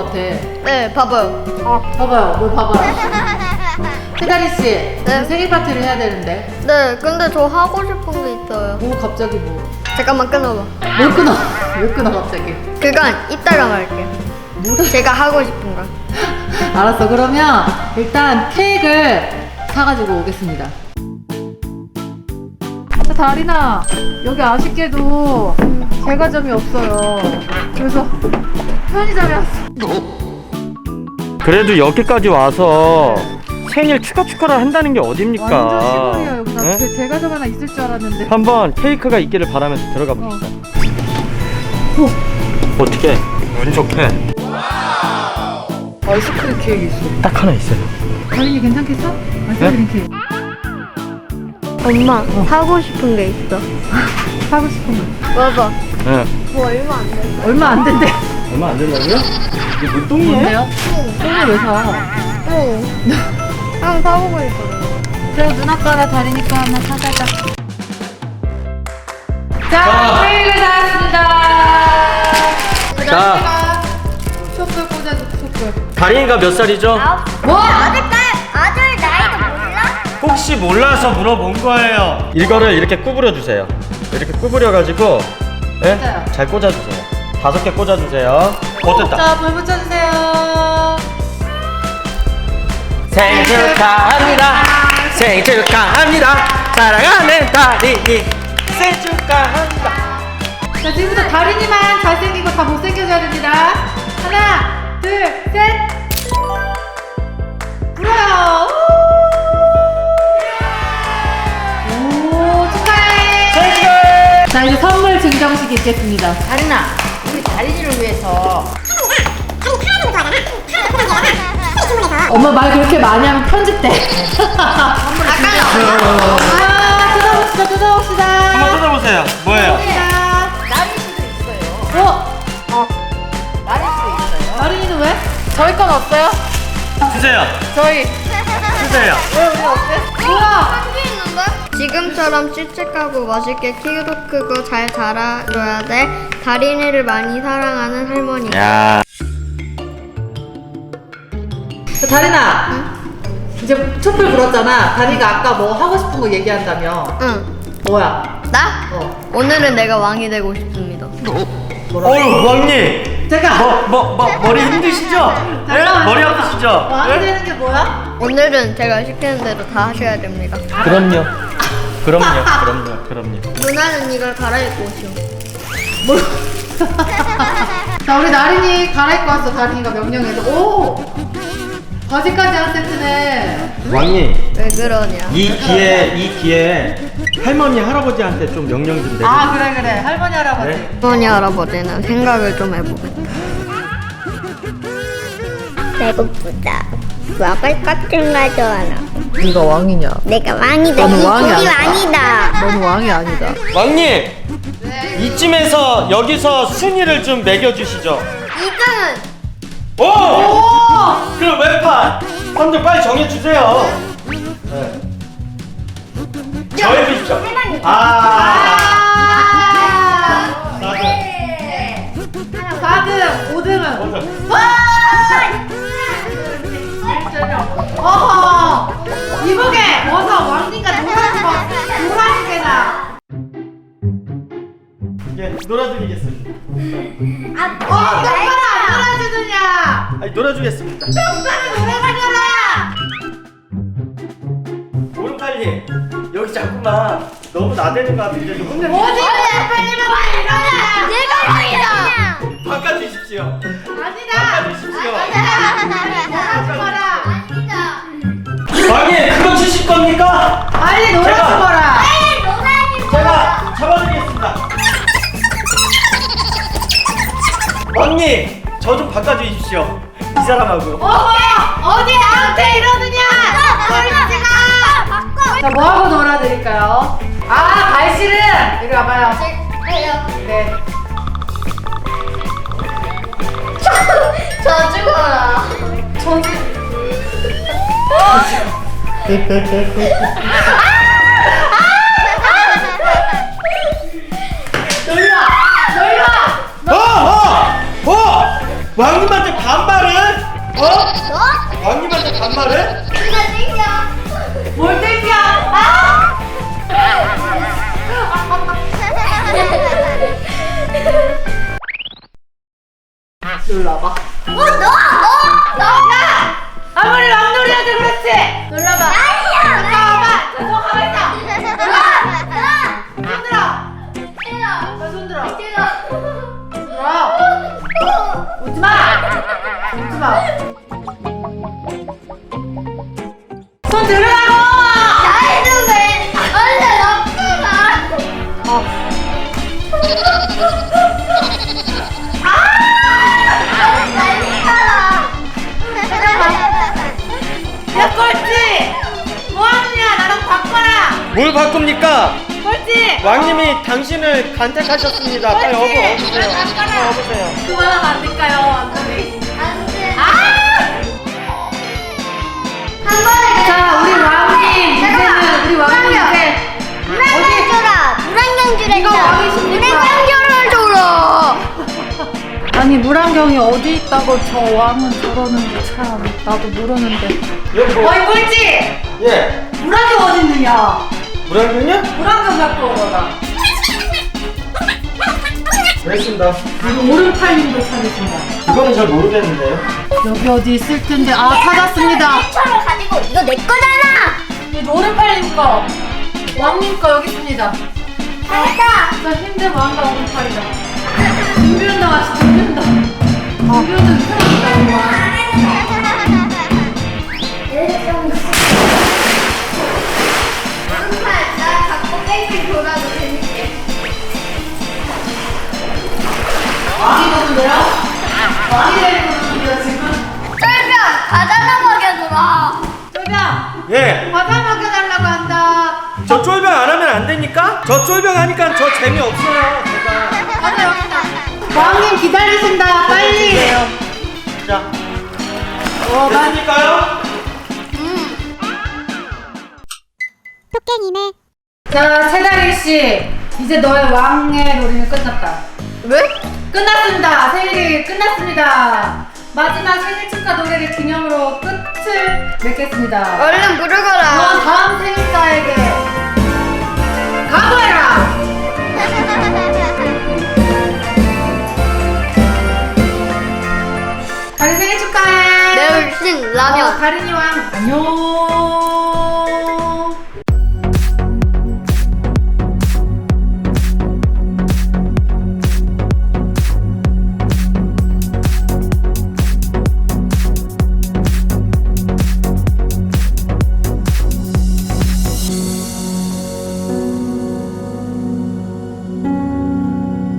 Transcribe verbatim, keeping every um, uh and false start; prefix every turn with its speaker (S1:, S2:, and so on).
S1: 같아.
S2: 네, 봐봐요.
S1: 봐봐요, 뭘 봐봐요. 태다리씨,
S2: 네.
S1: 생일 파티를 해야 되는데.
S2: 네, 근데 저 하고 싶은 게 있어요.
S1: 뭐 갑자기 뭐.
S2: 잠깐만 끊어봐.
S1: 뭘 끊어? 왜 끊어 갑자기?
S2: 그건 이따가 말할게요.
S1: 뭐?
S2: 제가 하고 싶은 거.
S1: 알았어, 그러면 일단 케이크를 사가지고 오겠습니다. 자, 다리나, 여기 아쉽게도 제과점이 없어요. 그래서 편의점에 왔어.
S3: 그래도 여기까지 와서 생일 축하 축하를 한다는 게 어딥니까?
S1: 완전 시골이야 여기. 나
S3: 네?
S1: 제- 제과점 하나 있을 줄 알았는데.
S3: 한번 케이크가 있기를 바라면서 들어가 봅시다. 어. 어떻게? 운 좋게.
S1: 아이스크림 케이크 있어.
S3: 딱 하나 있어요.
S1: 다린이 괜찮겠어? 아이스크림 케이크.
S2: 엄마, 사고 싶은 게 있어.
S1: 사고 싶은 거.
S2: 봐봐.
S3: 네.
S2: 뭐 얼마 안 돼.
S1: 얼마 안 된대.
S3: 얼마 안 된다고요? 이게 뭐 똥이에요?
S1: 뭔데요? 똥을 왜 사?
S2: 응. 형 사보고 있거든.
S1: 그래, 누나 거 하나, 다리니 거 하나 사자자. 자,
S3: 자.
S1: 케이크를 다 왔습니다.
S3: 자.
S1: 촛불 꽂아줘, 촛불.
S3: 다린이가 몇 살이죠?
S1: 뭐?
S2: 아들 나이도 몰라?
S3: 혹시 몰라서 물어본 거예요. 이거를 이렇게 구부려 주세요. 이렇게 구부려 가지고 예?
S1: 맞아요.
S3: 잘 꽂아 주세요. 다섯 개 꽂아 주세요. 어, 됐다.
S1: 자, 불 붙여주세요.
S3: 생일 축하합니다. 생일 축하합니다. 사랑하는 다린이 생일 축하합니다.
S1: 자, 지금부터 다린이만 잘생기고 다 못생겨져야 됩니다. 하나, 둘, 셋. 불어요. 오, 축하해.
S3: 생일 축하해.
S1: 자, 이제 선물 증정식이 있겠습니다.
S4: 다린아, 우리 다린이를 위해서
S1: 엄마 말 그렇게 많이 하면 편집돼. 아, 뜯어봅시다, 뜯어봅시다.
S3: 한번 뜯어보세요. 뭐예요?
S1: 자,
S4: 나릴 수도 있어요.
S1: 어?
S4: 나릴 수도 있어요.
S1: 다린이는 왜? 저희 건 없어요?
S3: 주세요.
S1: 저희.
S3: 주세요.
S1: 왜 우리 없대? 뭐야?
S2: 지금처럼 씩씩하고 멋있게 키도 크고 잘 자라줘야 돼. 다린이를 많이 사랑하는 할머니.
S3: 야.
S1: 다린아, 이제 촛불 불었잖아. 다린이가 아까 뭐 하고 싶은 거 얘기한다며.
S2: 응.
S1: 뭐야?
S2: 나?
S1: 어.
S2: 오늘은 내가 왕이 되고 싶습니다.
S3: 어유 왕님.
S1: 잠깐.
S3: 뭐, 뭐, 뭐 머리 힘드시죠? 네? 머리 아프시죠?
S1: 왕이
S3: 네?
S1: 되는 게 뭐야?
S2: 오늘은 제가 시키는 대로 다 하셔야 됩니다.
S3: 그럼요. 그럼요. 그럼요. 그럼요.
S2: 누나는 이걸 갈아입고 오시오.
S1: 뭘? 자, 우리 나린이 갈아입고 왔어. 다린이가 명령해서. 오! 바지까지 한 세트네.
S3: 왕님.
S2: 왜 그러냐?
S3: 이 기회 이 기회 할머니 할아버지한테 좀 명령 좀 내주세요.
S1: 아, 그래, 그래. 할머니, 할아버지.
S3: 네?
S2: 할머니 할아버지는 생각을 좀 해보겠다.
S5: 배고프다. 먹을 것 좀 가져와라.
S1: 네가 왕이냐?
S5: 내가 왕이다.
S1: 너는
S5: 이
S1: 왕이
S5: 집이
S1: 아니다.
S5: 왕이다.
S1: 너는 왕이 아니다.
S3: 왕님. 이쯤에서 여기서 순위를 좀 매겨주시죠.
S2: 이등은
S3: 오! 그럼 왼판 선들 빨리 정해주세요. 네. 정해주시죠. 아.
S1: 아!
S3: 나도.
S1: 사 등, 오 등은.
S3: 먼저.
S1: 어허! 이보게! 어서 왕님과 노란 거, 노란 개나.
S3: 예, 놀아드리겠습니다.
S1: 어, 똑바로 안 놀아주느냐!
S3: 아니, 놀아주겠습니다.
S1: 똑바로 놀아다녀라!
S3: 오른팔님 여기 자꾸만 너무 나대는 것 같은데 좀 혼내.
S1: 어디 빨리 빨리 일어나!
S2: 내가 왕이다.
S3: 바꿔주십시오.
S1: 아니다!
S3: 바꿔주십시오.
S1: 놀아주거라!
S3: 왕님 그거 주실 겁니까?
S1: 빨리 놀아주거라!
S3: 제가 잡아드리겠습니다. 왕님 저 좀 바꿔주십시오. 이 사람하고.
S1: 어머! 어디 나한테 이러느냐! 꼴찌가! 자, 뭐하고 놀아드릴까요? 아, 발실은! 이리 와봐요. 네.
S2: 저 죽어라.
S1: 놀라! 놀라!
S3: 어! 어! 어! 왕님한테 반말을
S1: 일로 와봐.
S2: 어, 너! 너! 너! 야!
S1: 아무리 왕놀이한테 그렇지.
S2: 놀라봐. 아니야!
S1: 잠깐만. 저 가만 있어.
S2: 나!
S1: 손 들어.
S2: 나!
S1: 나손 들어.
S2: 내가
S1: 손 들어. 웃지 마. 웃지 마. 손 들으라고.
S2: 나이도 왜 원래 나쁘다.
S1: 어. 야 꼴찌. 뭐하느냐. 나랑 바꿔라.
S3: 뭘 바꿉니까?
S1: 꼴찌.
S3: 왕님이 당신을 간택하셨습니다. 빨리 어버 어보세요. 어, 어보세요.
S1: 그만하면 안 될까요, 왕놀이?
S2: 안 돼.
S1: 한 번에. 자, 우리 왕님 이제는 우리 왕님 이제
S2: 물안경 줘라. 물안경 주랬어.
S1: 이거 왕이십니까?
S2: 물안경을 줘라.
S1: 아니 물안경이 어디 있다고 저 왕은 저러는데 참 나도 모르는데.
S3: 여기 뭐?
S1: 어이 꼴찌!
S3: 예.
S1: 물안경 어디 있느냐?
S3: 물안경이요?
S1: 물안경 갖고 오거라.
S3: 알겠습니다.
S1: 그리고 오른팔님도 찾으신다.
S3: 이거는 잘 모르겠는데요.
S1: 여기 어디 있을 텐데 아 찾았습니다.
S2: 일처럼 가지고 이거 내 거잖아.
S1: 이 오른팔님 거, 왕님 거 여기 있습니다.
S2: 잘했다.
S1: 진짜 힘든 왕과 오른팔이다. 준비운동 하시 준비운동. 준비운동 이상하다 왕.
S2: 정말 나 갖고 뺑뺑 돌아도 재밌게.
S1: 왕이 되는데요? 왕이 되는데요 지금?
S2: 쫄병 가자나 먹여주라.
S1: 쫄병
S3: 예.
S1: 과자 먹여달라고 한다.
S3: 저 쫄병 안 하면 안 됩니까? 저 쫄병 하니까 저 재미없어요. 제가.
S1: 과자 여기다. 왕님 기다리신다. 빨리.
S3: 자.
S1: 어, 나
S3: 됐습니까요?
S5: 토깽이네.
S1: 자, 최다리 씨, 이제 너의 왕의 놀이는 끝났다.
S2: 왜?
S1: 끝났습니다. 생일이 끝났습니다. 마지막 생일 축하 노래를 기념으로 끝을 맺겠습니다.
S2: 얼른 부르거라.
S1: 너 다음 생일자에게 각오해라. 다리 생일 축하해.
S2: 내 울신
S1: 어,
S2: 라면.
S1: 다린이 왕 안녕.